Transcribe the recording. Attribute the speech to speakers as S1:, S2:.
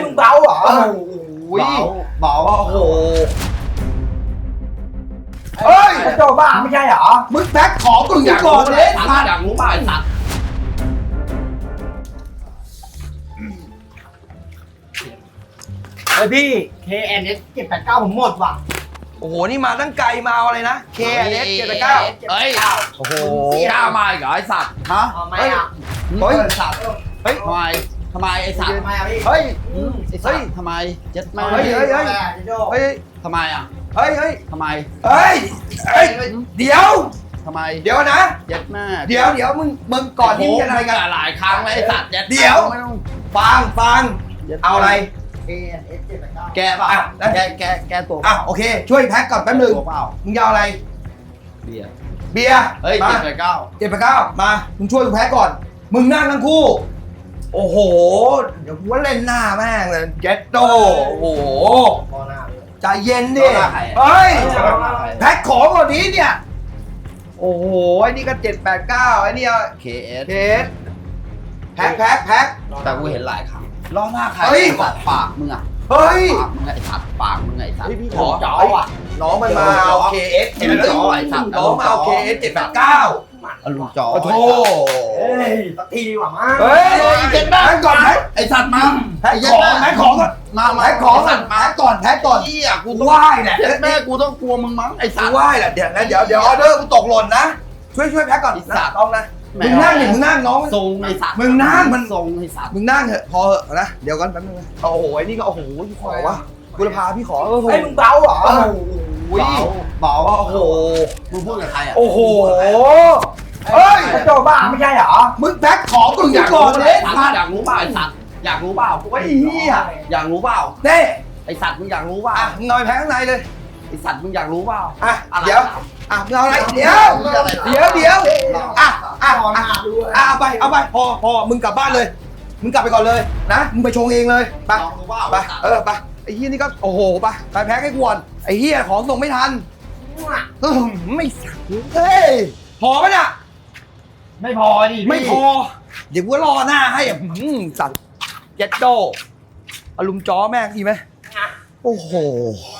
S1: มึงเบาเหรอ
S2: เบาโอ้โห
S1: เฮ้ยโจบ้าไม่ใช่เหรอ
S2: มึงแพ็คของกูก่อนเลย
S3: อยากรู้ป่ะไอ้สัตว์
S1: เฮ้ยพี่ KNS 789ผมหมดว่ะ
S2: โอ้โหนี่มาตั้งไกลมาอะไรนะ KNS 789
S3: เฮ้ยโอ้โหกล้ามาอีกเหรอไอ้สัตว์ฮะ
S1: ทำไมอ่ะ
S2: เฮ้ย
S3: สัตว์เฮ้ยทำไมไอ้สัตว์
S1: ทำไมอ่ะพี่
S2: เฮ้ย
S3: ไอ้สัตว์ทำไมเจ็ดแม่
S2: เฮ้ยเฮ้ย
S3: ทำไมอ่ะ
S2: เฮ้ยเฮ้ย
S3: ทำไม
S2: เฮ้ยเดี๋ยว
S3: ทำไม
S2: เดี๋ยวนะ
S3: เจ็ดแม่
S2: เดี๋ยวมึงก่อนที่จะอะไรกัน
S3: หลายครั้งเลยไอ้สัตว์เจ็ด
S2: เดี๋ยวฟังเอาอะไร
S1: KNS 789
S3: แกป่ะ
S2: อ่ะ
S3: แกตัว
S2: อ่ะโอเคช่วยแพ็คก่อนแป๊บนึง
S3: ตัวเปล่า
S2: มึงจะเอาอะไร
S3: เบียร์
S2: เบียร์
S3: เฮ้ย
S2: มา
S3: 789
S2: มามึงช่วยกูแพ็คก่อนมึงนั่งทั้งคู่โอ้โหเดี๋ยวกูว่าเล่นหน้าแม่งเลยเจ็ตโตโอ้โห
S1: มอหน้าเลย
S2: ใจเย็นดิเฮ้ยแพ็คของก่อนนี้เนี่ยโอ้โหไอ้นี่ก็789ไอ้นี่
S3: KS
S2: เคสแพ็ค
S3: แต่กูเห็นหลายครั้งล้อหน้าใคร
S2: เฮ้ย
S3: ปากมึงอ่ะ
S2: เฮ้ย
S3: ปากมึงไอ้สัตว์ปากมึงไอ้สัตว์
S2: พี่
S3: ขอ
S2: จ๋อว่ะน้องมันมาเอา KS
S3: เห็นจ๋อไอ้สัตว์
S2: น้องมาเอา KS 789
S3: ลุงจ๋อ
S2: โอ้โห
S1: เฮ้ยสักทีดีกว่ามั้ง
S2: เฮ้ยแพ็คก่อนแพ็ค
S3: ไอ้สัตว์มา
S2: แพ็คของก่อน
S3: มา
S2: แพ็คของก่อน
S3: สัตว์มา
S2: แพ็คก่อน
S3: เฮียกูต้อง
S2: ไหว้แหละ
S3: เจ็ดแม่กูต้องกลัวมึงมั้งไอ้สั
S2: กู
S3: ตว์
S2: ไหว้แหละเดี๋ยวออเดอร์กูตกหล่นนะช่วยแพ็คก่อน
S3: ไอ้สัตว์
S2: ต้องนะมึงนั่งดิมึงนั่งน้อง
S3: ทรงไอ้สัตว์
S2: มึงนั่งมัน
S3: ทรงไอ้สัตว์
S2: มึงนั่งเถอะพอเหอะนะเดี๋ยวก่อนแป๊บนึงนะโอ้โหไอ้นี่ก็โอ้โหพี่ขอวะบุรพาพี่ขอ
S1: เฮ้ยมึงเบาเหรอ
S2: เบาโอ้โห
S3: มึงพูดกับใครอ่ะ
S2: โอ้โหเฮ้ย
S1: โจบ้าไม่ใช่เหรอ
S2: มึงแพ็คของกูก่อนเลย
S3: อยากรู้เปล่าไอ้สัตว์อยากรู้เปล่า
S2: ไอ้เหี้ย
S3: อยากรู้เปล่า
S2: เน่
S3: ไอ้สัตว์มึงอยากรู้เปล่า
S2: อ่ะมึงเอาไปแพ็คข้างในเลย
S3: ไอ้สัตว์มึงอยากรู้เปล่า
S2: อ่ะ
S3: อะไร
S2: เดี๋ยวอ่ะมึงเอาอะไรเดี๋ยวอ่ะเอาไปพอมึงกลับบ้านเลยมึงกลับไปก่อนเลยนะมึงไปชงเองเลยไป
S3: ลองรู้เปล่า
S2: ไปไปไอ้เฮียนี่ก็โอ้โหไปแพ็คให้กวนไอ้เฮียของส่งไม่ทันไม่สั่งเฮ้ยพอไหมน่ะ
S1: ไม่พอดิ
S2: ไม่พอเดี๋ยวกูรอหน้าให้อ่ะสั่งเจ็ดโดอารมณ์จ้อแม่งทีไหมโอ้โห